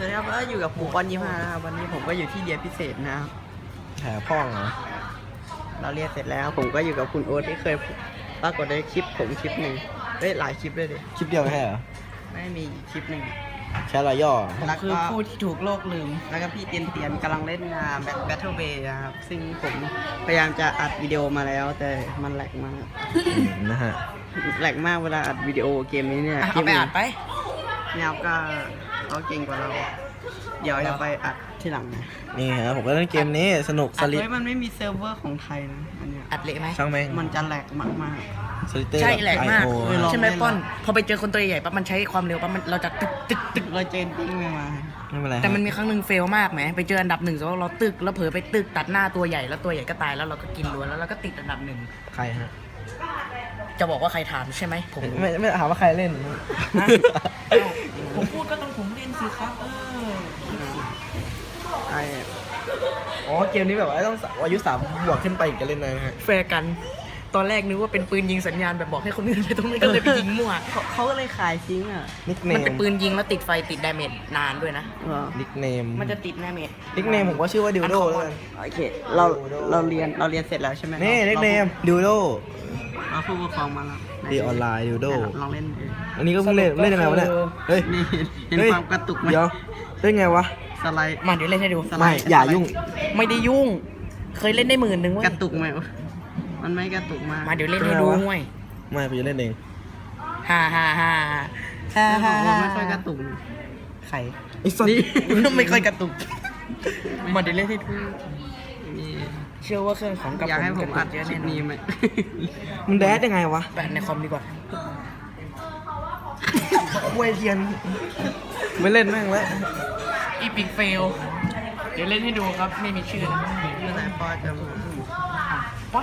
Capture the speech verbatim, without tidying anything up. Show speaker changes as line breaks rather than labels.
วัสดีครับก็อยู่กับปู่ปอนยี่ห้านะครับวันนี้ผมก็อยู่ที่เรียนพิเศษนะครับ
แผลพ่องเหรอ
เราเรียนเสร็จแล้วผมก็อยู่กับคุณโอ๊ตที่เคยปรากฏในคลิปผมคลิปหนึ่งเฮ้ยหลายคลิปเลยดิ
คลิปเดียวไม่ใช่เหรอ
ไม่มีอีกคลิปหนึ่ง
แค่รอยย่อ
แล้วคือผู้ที่ถูกโลกลืมแล้วก็พี่เตียนเตียนกำลังเล่นงานแบบ Battle Bay นะครับซึ่งผมพยายามจะอัดวิดีโอมาแล้วแต่มันแหลกมาก
อืมนะฮะ
แหลกมากเวลาอัดวิดีโอเกมนี้เนี่ย
เอาไปอัดไป
เนี่ยก็เขาเก่งกว่าเรา เดี๋ยวจะไปอัดที่หลังนะ
นี่ฮะผมก็เล่นเกมนี้สนุกส
อัด
ลิด
ไว้มันไม่มีเซิร์ฟเวอร์ของไทยนะอันเนี้ย
อัดเละไหม
ช่างแม่ง
มันจะแหลกมาก
สลิเตอร์
ใช่แหลกมาก
ไอโอ
เออลอง
ใช่ไหม
เล่น
ป้อน พอไปเจอคนตัวใหญ่ปั๊บมันใช้ความเร็วปั๊บมันเราจะตึกตึกตึก
ๆเราเจนติ้งมา
ไม่เป็นไร
แต่มันมีครั้งหนึ่งเฟลมากไหมไปเจออันดับหนึ่งแล้วเราตึกแล้วเผลอไปตึกตัดหน้าตัวใหญ่แล้วตัวใหญ่ก็ตายแล้วเราก็กินล้วนแล้วเราก็ติดอันดับหนึ่ง
ใครฮะ
จะบอกว่าใครถามใช่ไหมผม
ไม่ไม่ถามว่าใครเล่น
ผมพูดก็ต้องผมเล่นสิครับเออ
ไอ้
อ๋อเกมนี้แบบว่าต้องอายุสามบวกขึ้นไปอีกจะเล่นได้นะฮะ
แฟร์กัน ตอนแรกนึกว่าเป็นปืนยิงสัญญาณแบบบอกให้คนอื่นไปตรงนี้ก็เลยไปยิงมั่ว
เขาเขาก็เลยขายทิ้งอ่ะ
นิกเน
มัน
ม
เป็นปืนยิงแล้วติดไฟติดดาเมจนานด้วยนะ
เหรอ
นิกเนม
มันจะติดดาเมจ
นิกเนมผมก็ชื่อว่าดิวโดแล้วกัน
โอเคเราเราเรียนเราเรียนเสร็จแล้วใช่ไหม
นี่นิกเนมดิวโด
เราผู้ปกครองมาแล้ว
ดีออนไลน์ดิวโด
ลองเล่นเอง
อันนี้ก็เพิ่งเล่นเล่นยังไงวะเนี่ยเฮ้ย
นี่เห็น
เฮ้ย
ความกระตุกไหม
เดี๋ยวเล่นไงวะ
สไลด์
มาเดี๋ยวเล่นให้ดู
สไลด์
ไม่อย่ายุ่ง
ไม่ได้ยุ่ง เคยเล่นได้หมื่นหนึ่งเว้ย
กระตุกไหมมันไม่กระตุกมาก
มาเดี๋ยวเล่นให้ดูห่วย
ไม่ไปเล่นเอง
ฮ่าฮ่าฮ่าฮ่า
แต่ข
ฮ่า
องผม
ฮ่า
ไม่ค่อยกระตุก
ใคร
ไอ้สัตว์
นี่
ไม่ค่อยกระตุก มาเดี๋ยวเล่นให้ดู
นี่
เชื่อว่าเครื่องของกับ
อยากให้ผมอัด
เยอะ
คลิ
แน่
ป
นอ
นี้
น
ไหม
มันแดดยังไงวะ
แปะในคอมดีกว่า
เวยเทียนไม่เล่นแม่งแล้ว
อีพิกเฟล เดี๋ยวเล่นให้ดูครับ ไม่มีชื่อนะ
เมื่อไหร่พ่อจะ